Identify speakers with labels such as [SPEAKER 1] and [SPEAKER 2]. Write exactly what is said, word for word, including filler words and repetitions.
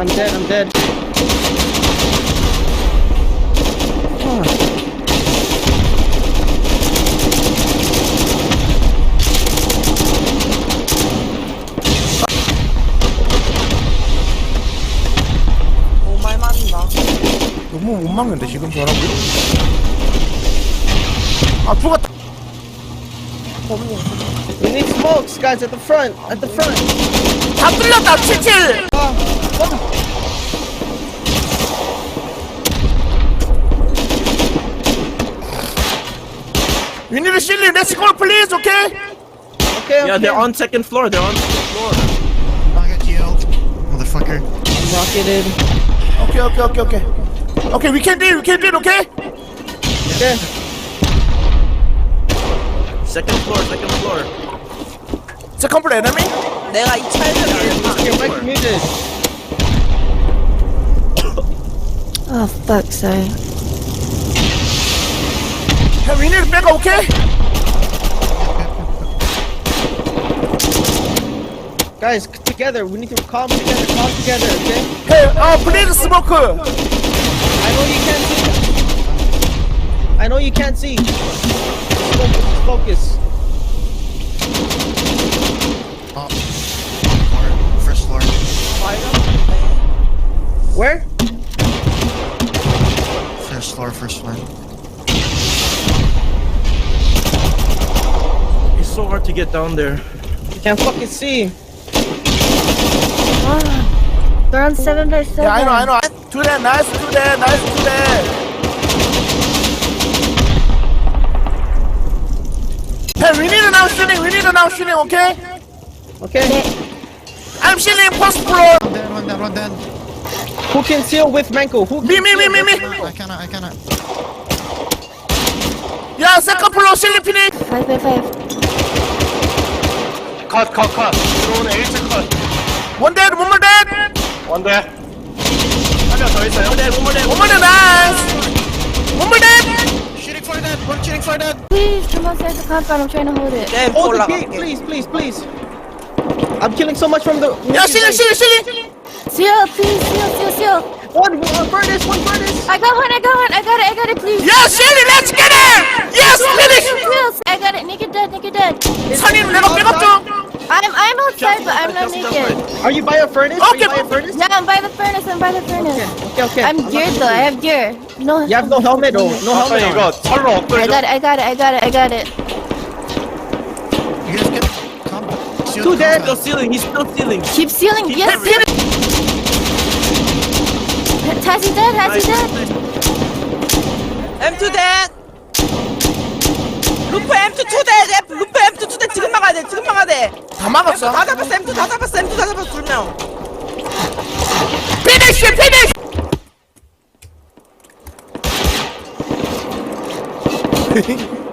[SPEAKER 1] I'm dead, I'm dead.
[SPEAKER 2] 오말 맞는다.
[SPEAKER 3] 너무 못 막는데 지금 저라고? 아 죽었다.
[SPEAKER 2] 범님.
[SPEAKER 1] We need smokes, guys, at the front, at the front.
[SPEAKER 3] 다 뚫렸다. 칠칠. We need a shilling. Let's go, please. Okay?
[SPEAKER 1] Okay, okay.
[SPEAKER 4] Yeah, they're on second floor. They're on second floor.
[SPEAKER 5] I got healed, motherfucker.
[SPEAKER 1] I'm rocketed.
[SPEAKER 3] Okay, okay, okay, okay. Okay, we can do it. We can do it. Okay?
[SPEAKER 1] Okay.
[SPEAKER 4] Second floor. Second floor.
[SPEAKER 3] Second floor enemy.
[SPEAKER 2] 내가 이 차에서
[SPEAKER 1] Your mic muted.
[SPEAKER 6] Oh, fuck's sake.
[SPEAKER 3] Hey, we need back. Okay?
[SPEAKER 1] Guys, c- together. We need to calm together, calm together, okay?
[SPEAKER 3] Hey, uh, please smoke.
[SPEAKER 1] I know you can't see. I know you can't see. Just focus.
[SPEAKER 5] Oh. Floor, first floor.
[SPEAKER 1] Where?
[SPEAKER 5] First floor, first floor.
[SPEAKER 4] It's so hard to get down there.
[SPEAKER 1] You can't fucking see.
[SPEAKER 6] Ah, they're on seven by seven.
[SPEAKER 3] Yeah, I know, I know. Do that. Nice. Do that. Nice. Do that. Hey, we need an out shooting. We need an out shooting. Okay?
[SPEAKER 1] Okay.
[SPEAKER 3] I'm shooting first floor.
[SPEAKER 5] One dead, one dead, one dead.
[SPEAKER 1] Who can seal with Manko? Who can
[SPEAKER 3] Me, me,
[SPEAKER 1] seal
[SPEAKER 3] me, me,
[SPEAKER 1] with
[SPEAKER 3] me.
[SPEAKER 1] Manko?
[SPEAKER 5] I cannot, I cannot.
[SPEAKER 3] Yeah, second floor shooting finish.
[SPEAKER 6] Five by five.
[SPEAKER 7] 컷, 컷, 컷. 들어오는 일 층 컷.
[SPEAKER 3] One dead. One more dead.
[SPEAKER 7] 원대. 한 명 더 있어요.
[SPEAKER 4] One more dead. One more dead.
[SPEAKER 3] One more dead. Nice. One more dead.
[SPEAKER 5] Shooting for that, one shooting for that.
[SPEAKER 6] Please come outside the compound. I'm trying to hold it.
[SPEAKER 2] 램프
[SPEAKER 1] Hold the gate,
[SPEAKER 2] 올라갈게.
[SPEAKER 1] please, please, please. I'm killing so much from the.
[SPEAKER 3] Yeah, shooting, shooting, shooting.
[SPEAKER 6] Seal, please, seal, seal, seal.
[SPEAKER 1] One, one furnace, one furnace.
[SPEAKER 6] I got one. I got one. I got it. I got it. Please.
[SPEAKER 3] Yeah, shooting. Let's get it. Yes, finish.
[SPEAKER 6] Seals. I got it. Naked dead. Naked dead.
[SPEAKER 3] 선임 내가 백업
[SPEAKER 6] I'm I'm outside, but I'm not naked.
[SPEAKER 1] Are you by a furnace? Are you
[SPEAKER 3] Okay.
[SPEAKER 1] by a furnace?
[SPEAKER 6] Yeah, I'm by the furnace. I'm by the furnace.
[SPEAKER 1] Okay, okay.
[SPEAKER 6] I'm
[SPEAKER 1] not
[SPEAKER 6] geared
[SPEAKER 1] gonna
[SPEAKER 6] though. I
[SPEAKER 1] shoot
[SPEAKER 6] have gear. No.
[SPEAKER 1] You have no helmet, oh, no
[SPEAKER 7] 아까
[SPEAKER 1] helmet.
[SPEAKER 7] 이거
[SPEAKER 1] On.
[SPEAKER 7] 철로
[SPEAKER 6] I
[SPEAKER 7] 엎드려.
[SPEAKER 6] got it. I got it. I got it. I got it.
[SPEAKER 5] You guys get come. Seal
[SPEAKER 1] Two
[SPEAKER 5] the
[SPEAKER 1] dead.
[SPEAKER 4] Still
[SPEAKER 5] compound.
[SPEAKER 4] sealing. He's still sealing.
[SPEAKER 6] Keep sealing. Yes. Tassie dead. Tassie dead.
[SPEAKER 2] 엠투 대. 루프 엠투 투 대. 루프 엠투 투 대. 지금 막아야 돼. 지금 막아야 돼.
[SPEAKER 3] 다 막았어.
[SPEAKER 2] 다 잡았어. 엠투 다 잡았어. 엠투 다 잡았어. 두 명.
[SPEAKER 3] 피니쉬 피니쉬.